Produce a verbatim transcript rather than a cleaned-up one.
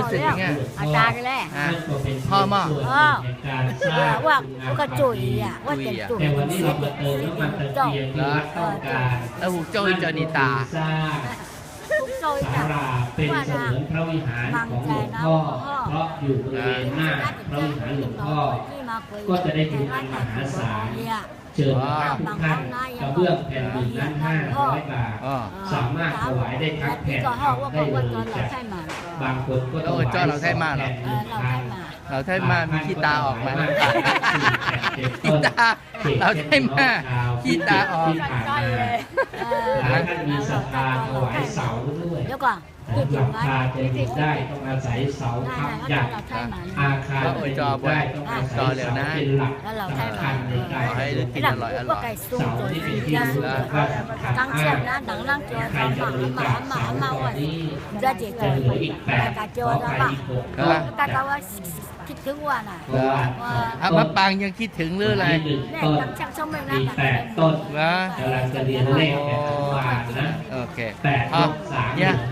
รู้สึกยังไงอาตากันแล้วอ่ะพ่อหม้อเออว่าว่าก็จุยอ่ะว่าจะจุยแต่วันนี้เสียเราดิมาเติมน้ำมันตะเกียงที่รัฐต้องการแล้วหูเจ้าอีเจอนีตาสร้างทุกโจยศาจ้ะลาเป็นเสมือนพระวิหารของหลวงพ่อเพราะอยู่บริเวณหน้าพระวิหารหลวงพ่อก็จะได้บุญอันมหาศาลเชิญนะครับทุกท่านกระเบื้องแผ่นดินนั้นห้าร้อยบาทอ๋อสามารถถวายได้ทั้งแผ่นได้เลยจากบางคนก็ถวายเจ้าเราให้มาเหรอเออเราให้มาเราได้มามีขี้ตาออกมาขี้ตาเราได้มาขี้ตาออกที่ผ่านมาและท่านมีศรัทธาถวายเสาด้วยเดี๋ยวก่อนหลังคาจะอยู่ได้ต้องอาศัยเสาค้ำยันอาคารจะอยู่ได้ต้องอาศัยเสาเป็นหลักสำคัญในการขอให้ได้กินอร่อยอร่อยเสาที่เป็นที่รู้ว่า刚切那等让做ใคร他จะบริ嘛จาค嘛เสา嘛ต嘛อนนี้我这姐จะเหลืออีกแปด大家ขอ叫ไป他อีกหก嘛，大家我คิดถึงว่าน่ะเพราะว่าอ่ะมะปางยังคิดถึงหรืออะไรหนึ่งแม่ต้นจำช่างช่างไม่น่ามีแต่แปดต้นนะกำลังจะเรียนเลขแก่ทุกวานนะโอเคแปดลอ่ะบสามเนี่ย